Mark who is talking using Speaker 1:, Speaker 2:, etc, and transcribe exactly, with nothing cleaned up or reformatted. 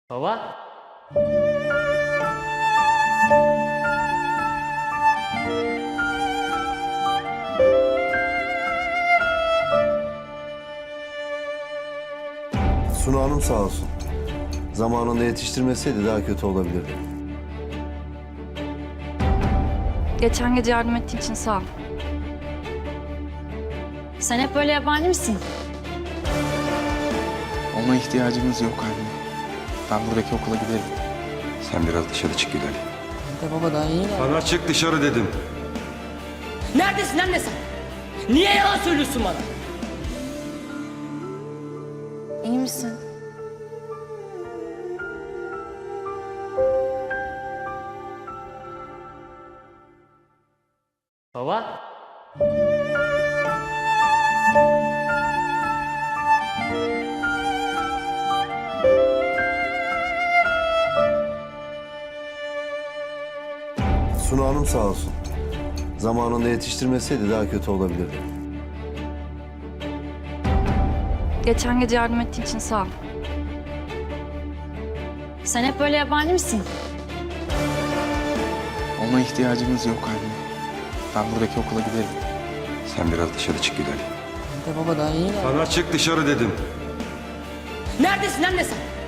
Speaker 1: Baba.
Speaker 2: Sunu Hanım sağ olsun. Zamanında yetiştirmeseydi daha kötü olabilirdi.
Speaker 3: Geçen gece yardım ettiğin için sağ ol.
Speaker 4: Sen hep böyle yabani misin?
Speaker 5: Ona ihtiyacımız yok anne. Ben buradaki okula giderim.
Speaker 6: Sen biraz dışarı çık Gülay.
Speaker 7: De baba daha iyi.
Speaker 6: Sana çık dışarı dedim.
Speaker 7: Neredesin anne sen? Niye yalan söylüyorsun bana?
Speaker 4: İyi misin?
Speaker 1: Baba.
Speaker 2: Sunu Hanım sağ olsun. Zamanında yetiştirmeseydi daha kötü olabilirdi.
Speaker 3: Geçen gece yardım ettiğin için sağ ol.
Speaker 4: Sen hep böyle yabani misin?
Speaker 5: Ona ihtiyacımız yok anne. Ben buradaki okula giderim.
Speaker 6: Sen biraz dışarı çık Gülay.
Speaker 7: De baba daha iyi.
Speaker 6: Sana çık dışarı dedim.
Speaker 7: Neredesin anne sen?